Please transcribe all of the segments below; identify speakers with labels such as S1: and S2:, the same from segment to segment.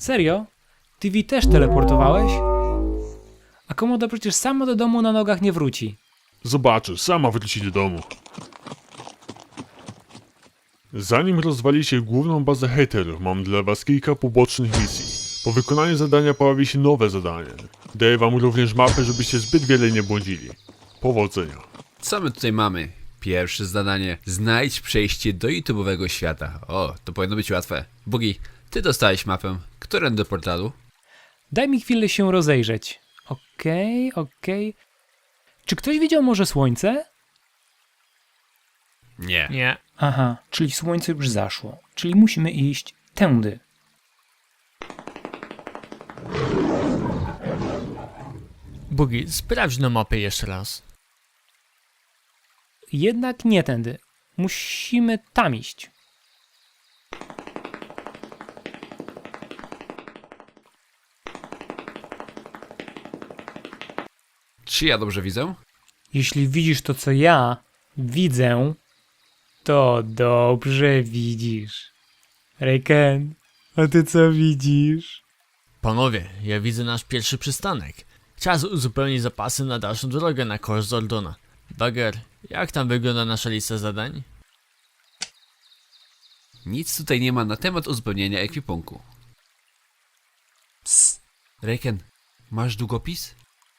S1: Serio? TV też teleportowałeś? A Komodo przecież sama do domu na nogach nie wróci.
S2: Zobaczysz, sama wróci do domu. Zanim rozwalicie główną bazę haterów, mam dla was kilka pobocznych misji. Po wykonaniu zadania pojawi się nowe zadanie. Daję wam również mapę, żebyście zbyt wiele nie błądzili. Powodzenia.
S3: Co my tutaj mamy? Pierwsze zadanie. Znajdź przejście do YouTube'owego świata. O, to powinno być łatwe. Bugi, ty dostałeś mapę. Którędy do portalu?
S1: Daj mi chwilę się rozejrzeć. Okej. Czy ktoś widział może słońce?
S3: Nie.
S4: Nie.
S1: Aha, czyli słońce już zaszło. Czyli musimy iść tędy.
S4: Bugi, sprawdź na mapę jeszcze raz.
S1: Jednak nie tędy. Musimy tam iść.
S3: Czy ja dobrze widzę?
S1: Jeśli widzisz to, co ja widzę, to dobrze widzisz. Rayken, a ty co widzisz?
S4: Panowie, ja widzę nasz pierwszy przystanek. Czas uzupełnić zapasy na dalszą drogę na koszt Zordona. Bagger, jak tam wygląda nasza lista zadań?
S3: Nic tutaj nie ma na temat uzupełnienia ekwipunku. Psst. Rayken, masz długopis?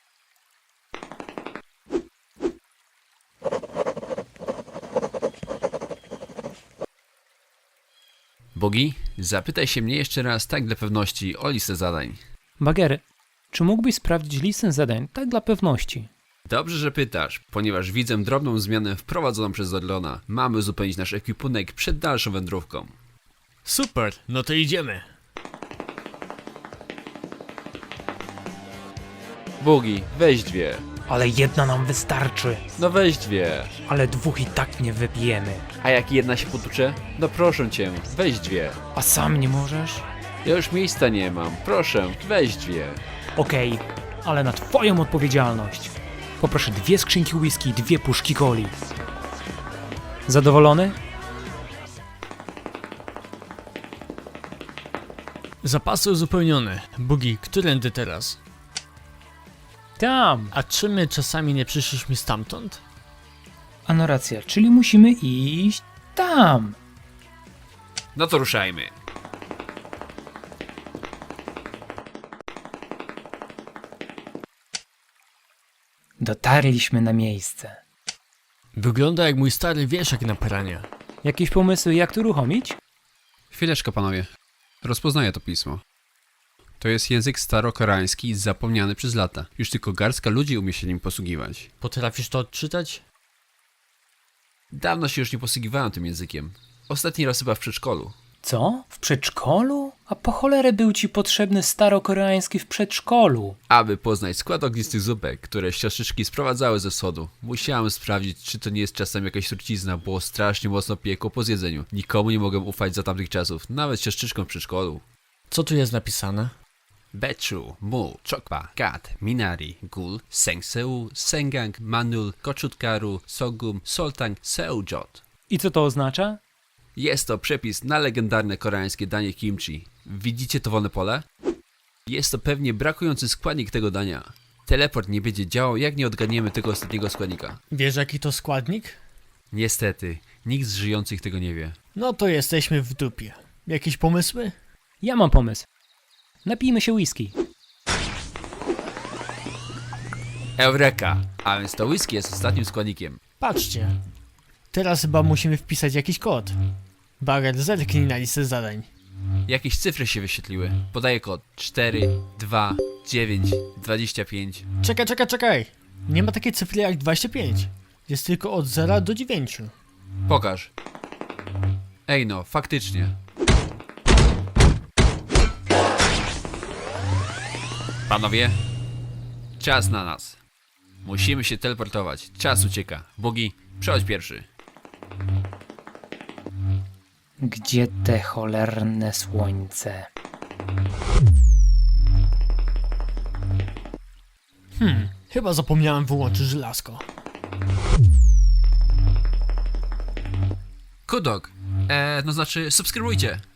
S3: Bogi, zapytaj się mnie jeszcze raz tak dla pewności o listę zadań.
S1: Bagger, czy mógłbyś sprawdzić listę zadań tak dla pewności?
S3: Dobrze, że pytasz, ponieważ widzę drobną zmianę wprowadzoną przez Zordona. Mamy uzupełnić nasz ekwipunek przed dalszą wędrówką.
S4: Super, no to idziemy.
S3: Bogi, weź dwie.
S1: Ale jedna nam wystarczy.
S3: No weź dwie.
S1: Ale dwóch i tak nie wypijemy.
S3: A jak jedna się potucze? No proszę cię, weź dwie.
S1: A sam nie możesz?
S3: Ja już miejsca nie mam, proszę, weź dwie.
S1: Okej, ale na twoją odpowiedzialność. Poproszę 2 skrzynki whisky i 2 puszki coli. Zadowolony?
S4: Zapasy uzupełnione. Bugi, którędy teraz?
S1: Tam.
S4: A czy my czasami nie przyszliśmy stamtąd?
S1: Ano racja, czyli musimy iść tam.
S3: No to ruszajmy.
S1: Dotarliśmy na miejsce.
S4: Wygląda jak mój stary wieszak na pranie.
S1: Jakieś pomysły, jak to uruchomić?
S3: Chwileczkę, panowie. Rozpoznaję to pismo. To jest język starokoreański zapomniany przez lata. Już tylko garstka ludzi umie się nim posługiwać.
S4: Potrafisz to odczytać?
S3: Dawno się już nie posługiwałem tym językiem. Ostatni raz chyba w przedszkolu.
S1: Co? W przedszkolu? A po cholerę był ci potrzebny starokoreański w przedszkolu?
S3: Aby poznać skład ognistych zupek, które siostrzyczki sprowadzały ze wschodu, musiałem sprawdzić, czy to nie jest czasem jakaś trucizna, bo strasznie mocno piekło po zjedzeniu. Nikomu nie mogłem ufać za tamtych czasów, nawet siostrzyczkom w przedszkolu.
S4: Co tu jest napisane?
S3: Bechu, Mu, Chokpa, Kat, Minari, Gul, Sengseu, Sengang, Manul, Koczutkaru, Sogum, Soltang, Seujot.
S1: I co to oznacza?
S3: Jest to przepis na legendarne koreańskie danie kimchi. Widzicie to wolne pole? Jest to pewnie brakujący składnik tego dania. Teleport nie będzie działał, jak nie odgadniemy tego ostatniego składnika.
S4: Wiesz jaki to składnik?
S3: Niestety, nikt z żyjących tego nie wie.
S4: No to jesteśmy w dupie. Jakieś pomysły?
S1: Ja mam pomysł. Napijmy się whisky.
S3: Eureka! A więc to whisky jest ostatnim składnikiem.
S4: Patrzcie. Teraz chyba musimy wpisać jakiś kod. Bagger, zerknij na listę zadań.
S3: Jakieś cyfry się wyświetliły. Podaję kod 4, 2, 9, 25.
S4: Czekaj. Nie ma takiej cyfry jak 25. Jest tylko od 0 do 9.
S3: Pokaż. Ej no, faktycznie. Panowie, czas na nas. Musimy się teleportować. Czas ucieka. Bogi, przechodź pierwszy.
S1: Gdzie te cholerne słońce?
S4: Chyba zapomniałem wyłączyć żelazko.
S3: Kudok. No znaczy, subskrybujcie.